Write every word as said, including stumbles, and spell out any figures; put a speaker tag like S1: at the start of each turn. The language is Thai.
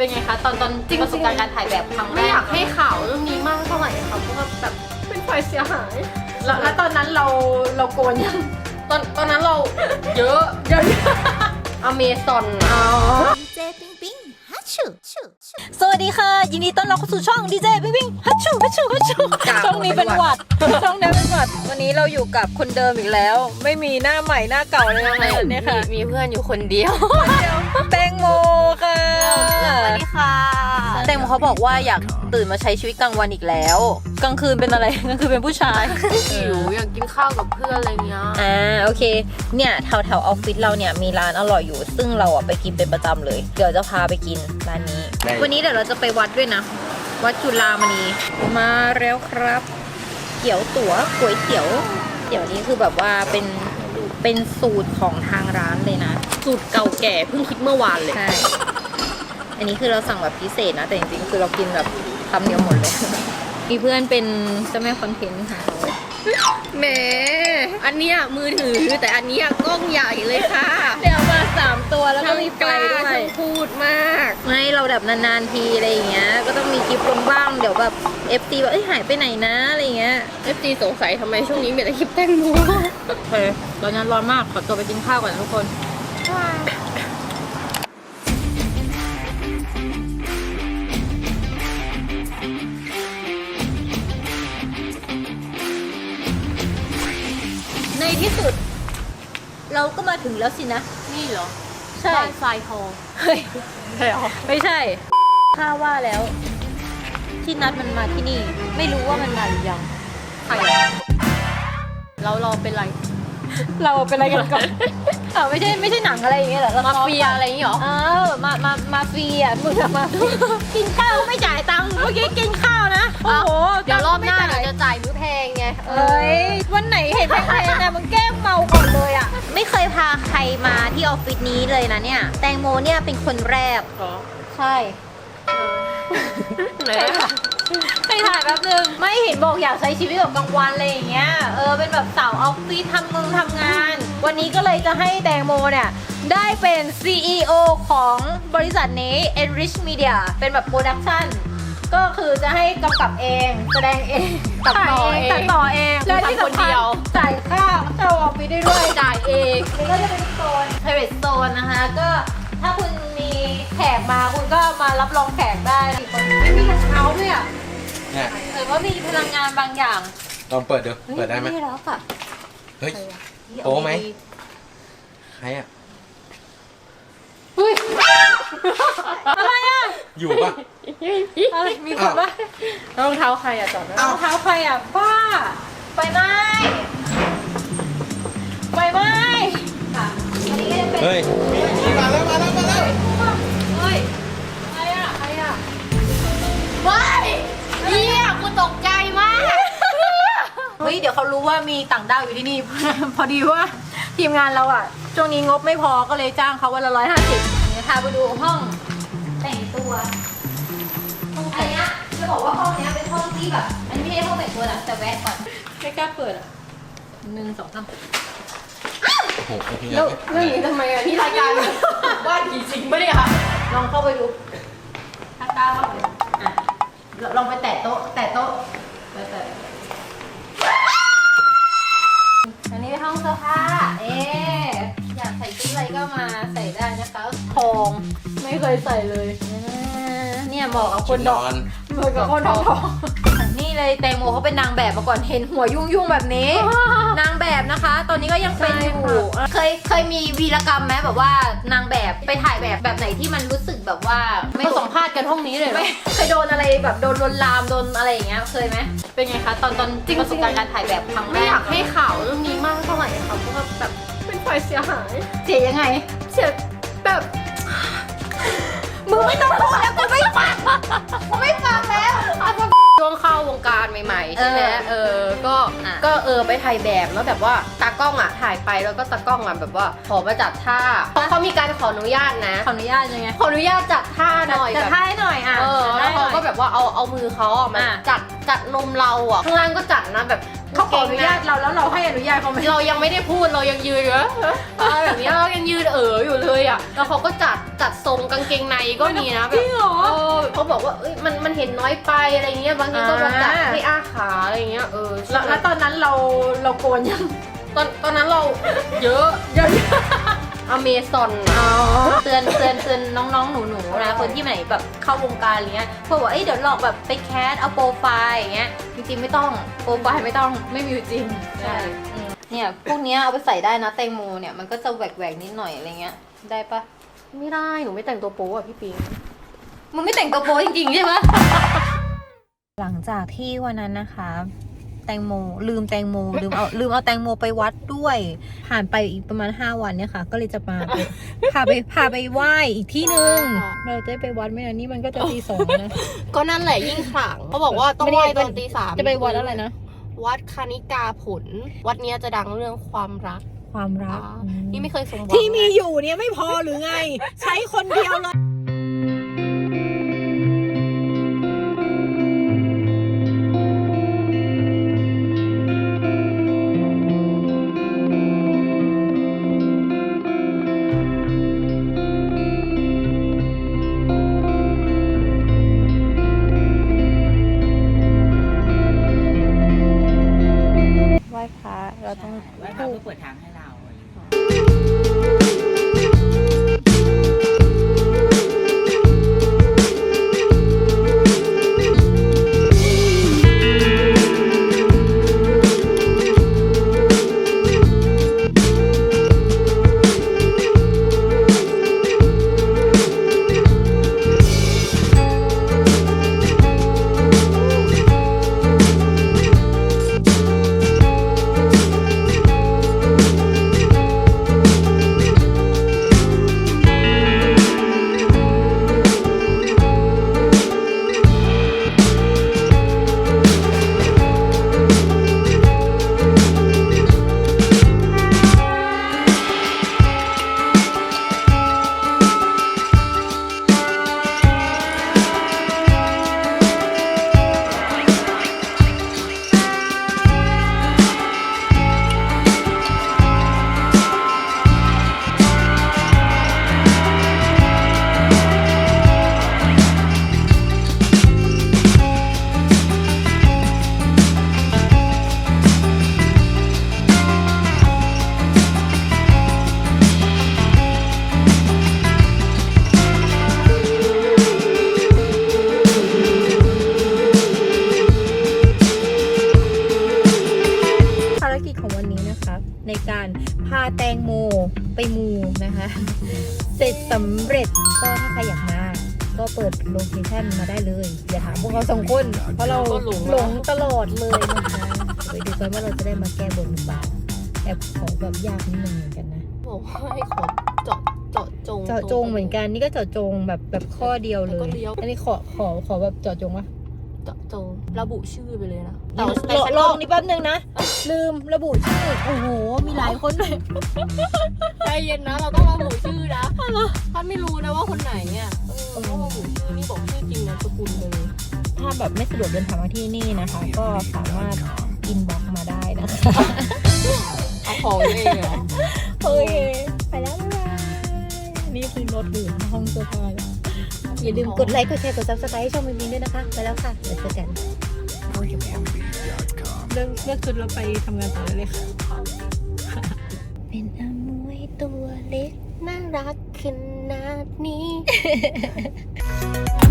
S1: เป็นไงคะตอนตอนประสบการณ์การถ่ายแบบครั้งแรก
S2: ไม่อยากให้ข่าวเรื่องนี้มากเท่าไหร่ค่ะเพราะว่าแบบเป็นฝ่ายเสียหาย
S1: แล้วแล้วตอนนั้นเราเราโกนยัง
S2: ตอนตอนนั้นเราเยอะเยอะอเมซอน
S1: อ๋อ
S3: ดีเจปิงปิงฮัชชูชูชู
S4: สวัสดีค่ะยินดีต้อนรับเข้าสู่ช่องดีเจวิ่งวิ่งฮัชชูฮัชชูฮัชชูช่องนี้เป็นหวัดช่องนี้เป็นหวัดวันนี้เราอยู่กับคนเดิมอีกแล้ว ไม่มีหน้าใหม่หน้าเก่าเลยนะคะเนี่ยค่ะ
S2: มีเพื่อนอยู่คนเดียว
S4: แตงโมค่ะ
S3: สวัสดีค่ะ
S4: แตงโมเขาบอกว่าอยากตื่นมาใช้ชีวิตกลางวันอีกแล้วกลางคืนเป็นอะไรกลางคืนเป็นผู้ชาย
S2: หิวอยากกินข้าวกับเพื่อนอะไรเงี้ย
S4: อ่าโอเคเนี่ยแถวแถวออฟฟิศเราเนี่ยมีร้านอร่อยอยู่ ซึ่งเราอ่ะไปกินเป็นประจำเลยเดี๋ยวจะพาไปกินร้านนี้ วันนี้เดี๋ยวเราจะไปวัดด้วยนะ วัดจุฬามณีมาแล้วครับ เตี๋ยวตั๋วก๋วยเตี๋ยวเตี๋ยวนี้คือแบบว่าเป็นเป็นสูตรของทางร้านเลยนะ
S2: สูตรเก่าแก่เพิ่งคิดเมื่อวานเลย
S4: ใช่อันนี้คือเราสั่งแบบพิเศษนะแต่จริงๆคือเรากินแบบคำเดียวหมดเลย มีเพื่อนเป็นเจ้าแม่คอนเทนต์ค่ะ
S2: แหมอันเนี้ยมือถือแต่อันเนี้ยกล้องใหญ่เลยค่ะ
S4: เดี๋ยวมาสามตัวแล้วก็
S2: ทั้ง
S4: มีไฟ
S2: กล้า
S4: ด้วย
S2: ทั้งพูดมาก
S4: ไม่เราแบบนานๆทีอะไรอย่างเงี้ยก็ต้องมีคลิปลงบ้างเดี๋ยวแบบ เอฟ ซี แบบเอ้ยหายไปไหนนะอะไรอย่างเงี้ย
S2: เอฟซีสงสัยทำไมช่วงนี้มีแต่คลิปแตงโม
S4: โอเคตอนนั้นร้อนมากขอตัวไปกินข้าวก่อนนะทุกคนในที่สุด เราก็มาถึงแล้วสินะ
S2: นี่เหรอ
S4: ใช่
S2: บ้านทรายทอง
S4: เฮ้ย
S2: ใช่หรอ
S4: ไม่ใช่ข้าว่าแล้ว ที่นัดมันมาที่นี่ ไม่รู้ว่ามันมาหรือยัง
S2: ใครเราเราเป็นไร
S4: เราเป็นอะไรกันก่อนอ้าวไม่ใช่ไม่ใช่หนังอะไรอย่างเงี้ยเหรอ
S2: มาเฟียอะไรอย่างงี้เหรอ
S4: เออมามามาเฟียมึงอะมากินข้าวไม่จ่ายตังค์เมื่อกี้กินข้าวนะโอ้โห
S2: เดี๋ยวรอบหน้า
S4: ตังค์
S2: เรา
S4: ไม่จ่ย
S2: จะจ่ายมื้อแพงไง
S4: เอ้ยวันไหนเห็นแพงๆนะมึงแกล้งเมาก่อนเลยอ่ะไม่เคยพาใครมาที่ออฟฟิศนี้เลยนะเนี่ยแตงโมเนี่ยเป็นคนแรก
S2: เหรอ
S4: ใช่
S2: ไหน
S4: ไปถ่ายแป๊บนึงไม่เห็นบอกอยากใช้ชีวิตแบบกลางวันอะไรอย่างเงี้ยเออเป็นแบบสาวออฟฟิศทำงงทำงาน วันนี้ก็เลยจะให้แตงโมเนี่ยได้เป็น ซี อี โอ ของบริษัทนี้ Enrich Media เป็นแบบโปรดักชั่นก็คือจะให้กำกับเองแสดงเองตัดต่อเองตัดต่อเองและที่สำคัญจ่ายค่าเช่าออฟฟิศได้ด้วย
S2: จ่ายเอง
S4: นี่ก็จะเป็นโซน private zone นะคะก็ถ้าคุณมีแขกมาคุณก็มารับรองแขกได้ไม่มีกระเช้าด้วยอ่ะ
S5: เนี่ย
S4: หรือว่ามีพลังงานบางอย่าง
S5: ลองเปิดดู เปิดได้ไหม
S4: ไม่รับอ่ะ
S5: เฮ้ย โป๊ไหม ใครอ่ะ
S4: เฮ้ยอะไรอ่ะ
S5: อยู่ปะ
S4: อะไรมีคนปะ
S2: รองเท้าใครอะจอดนะ
S4: รองเท้าใครอ่ะป้าไฟไหม้ไฟไหม้ค่ะอันนี้ก็จะเป็น
S5: เฮ้ย มาแล้ว มาแล้ว มาแล้ว
S4: เฮ้ยใครอ่ะใครอ่ะ
S2: ว้ายเฮียกูตกใจมาก
S4: เฮ้ยเดี๋ยวเขารู้ว่ามีต่างด้าวอยู่ที่นี่ พอดีว่าทีมงานเราอ่ะช่วงนี้งบไม่พอก็เลยจ้างเขาวันละร้อยห้าสิบเดี๋ยวพาไปดูห้องแต่งตัวอันเนี้ยจะบอกว่าห้องเนี้ยเป็นห้องที่แบบอันนี้ไม่ใช่ห้องแต่งตัวนะแต่แวะก่อนไม่กล้าเปิดอ่ะหนึ่งสองสาม
S5: โอ้โหโอเค
S2: แล้วเรื่องนี้ทำไมอะนี่รายการว่าผีจริงปะเนี่ย
S4: ลองเข้าไปดูถ้ากล้าเข้าไปอ่ะลองไปแตะโต๊ะแตะโต๊ะไปแตะอันนี้เป็นห้องเสื้อผ้าเอ๊ะอยากใส่ชุดอะไรก็มาใส่ได้นะคะทองไม่เคยใส่เลยอ่าเนี่ยเหมาะกับคนดอก
S5: นอน
S4: เหมือนกับคนทองทองนี่เลยแตงโมเขาเป็นนางแบบมาก่อนเห็นหัวยุ่งยุ่งๆแบบนี้ นางแบบนะคะ ตอนนี้ก็ยังเป็นอยู่เคยเคยมีวีรกรรมไหมแบบว่านางแบบไปถ่ายแบบแบบไหนที่มันรู้สึกแบบว่าไม่
S2: มาสัมภาษณ์กันห้องนี้เลยเหรอ
S4: ไม่เคยโดนอะไรแบบโดนลวนลามโดนอะไรอย่างเงี้ยเคยไหมเป็นไงคะตอนตอนประสบการณ์การถ่ายแบบครั้งแร
S2: ไม่
S4: ก
S2: อยากให้ข่าวเรื่องนี้มากเท่าไหร่ค่ะเพราะว่าแบบเป็นฝ่ายเสียหาย
S4: เสียยังไง
S2: เสียแบบ
S4: มึงไม่ต้องพูดแล้วกูไม่ฟังกูไม่ฟังแล้ว
S2: ช่วงเข้าวงการใหม่ๆใช่ไหม
S4: เออ
S2: เออก็
S4: อ่ะ
S2: ก็เออไปถ่ายแบบแล้วแบบว่าตากล้องอ่ะถ่ายไปแล้วก็ตากล้องอ่ะแบบว่าขอมาจัดท่าเพราะเขามีการขออนุญาตนะ
S4: ขออนุญาตยังไง
S2: ขออนุญาตจัดท่าหน่อย
S4: จะ
S2: แบบ
S4: ท้ายหน่อยอ่ะ
S2: เออแล้วเขาก็แบบว่าเอาเอามือเขาอ่ะมา
S4: อ่ะ
S2: จัดจัดนมเราอ่ะข้างล่างก็จัดนะแบบ
S1: เขาขออนุญาตเราแล้วเราให้อนุญาตเขาไหม
S2: เรายังไม่ได้พูดเรายังยืนอยู่นะเออแบบนี้เรายังยืนเอ๋ออยู่เลยอ่ะแล้วเขาก็จัดจัดทรงกางเกงในก็มีนะแบบเออเขาบอกว่าเอ้ยมันมันเห็นน้อยไปอะไรเงี้ยบางทีก็แบบจัดให้อ้าขาอะไรเงี้ยเออ
S1: แล้วแล้วตอนนั้นเราเราโกนยัง
S2: ตอนตอนนั้นเราเยอะ
S1: เยอะ
S2: อเมซอน
S1: อ๋อ
S4: เตือนเตือนเตือนน้องๆ หนูๆ นะ คนที่ไหนแบบเข้าวงการอะไรเงี้ยพวกบอกเอ้ยเดี๋ยวหลอกแบบไปแคสเอาโปรไฟล์อย่างเงี้ย จริงๆ ไม่ต้อง โปรไฟล์ไม่ต้อง ไม่มีอยู่จริง
S2: ใช่
S4: อืมเนี่ยพวกเนี้ยเอาไปใส่ได้นะแตงโมเนี่ยมันก็จะแหวกๆ นิดหน่อยอะไรเงี้ย ได้ปะ
S2: ไม่ได้หนูไม่แต่งตัวโป๊อ่ะพี่ปิง
S4: มึงไม่แต่งตัวโปรจริงๆ ใช่ไหม หลังจากที่วันนั้นนะคะ แตงโมลืมแตงโมลืมเอาลืมเอาแตงโมไปวัดด้วย ผ่านไปอีกประมาณห้าวันเนี่ยค่ะ ก็เลยจะมา พาไปพาไปไหว้อีกที่หนึ่งเราจะไปวัดไหมนะนี่มันก็จะตีสองแล้วนะ
S2: ก็นั่นแหละยิ่งขลังเขาบอกว่าต้องไหว้ตอนตีสาม
S4: จะไปวัดอะไรนะ
S2: วัดคณิกาผล วัดเนี้ยจะดังเรื่องความรัก
S4: ความรัก
S2: อ่านี่ไม่เคยสมหวัง
S4: ที่มีอยู่เนี่ยไม่พอหรือไง ใช้คนเดียวเลย ไหว้พระเราต้อง
S5: ไว้เราเพื่อเปิดทางให้เรา
S4: ภารกิจของวันนี้นะคะ ในการพาแตงโมไปมูนะคะ เสร็จสำเร็จก็ถ้าใครอยากมา ก็เปิดโลเคชั่นมาได้เลยอย่าถามพวกเราสองคนเพราะเราหลงตลอดเลยนะคะไปดูกันว่าเราจะได้มาแก้บนหรือเปล่าแอบขอแบบยากนิดนึงเหมือนกันนะ
S2: บอกว่าให้ขอเจาะเจาะจง
S4: เจาะจงเหมือนกันนี่ก็เจาะจงแบบแบบข้อเดียวเล
S2: แล้วก็
S4: ย
S2: เลี้ยว
S4: อันนี้ขอขอขอแบบเจาะจงวะ
S2: เจาะจงระบุชื่อไปเลยนะ
S4: ล
S2: แต่
S4: อง
S2: ฉัน
S4: ล
S2: ก็
S4: องนี่แป๊บนึงนะ ลืมระบุชื่อโอ้โห มีหลายคนเลย
S2: ใจเย็นนะเราต้องระบุชื่อนะถ้าไม่รู้นะว่าคนไหนเนี่ยเออต้องระบุชื่อนี่บอกชื่อจริงนามสกุลเลย
S4: ถ้าแบบไม่สะดวกเดินทางมาที่นี่นะคะ ก็สามารถอินบ็อกมาได้นะคะ
S2: เอาของเองเหรอ
S4: โอเคไปแล้วบ๊ายบายนี่คือรถหรือห้องเสื้อผ้าแล้วอย่าลืมกดไลค์ กดแชร์ กด ซับสไครต์ให้ช่องมินมินด้วยนะคะ ไปแล้วค่ะเดี๋ยวเจอกันเลิกเลิกชุดแล้วไปทำงานต่อเลยค่ะ เป็นอมวยตัวเล็ก
S2: น่ารักขนาดนี้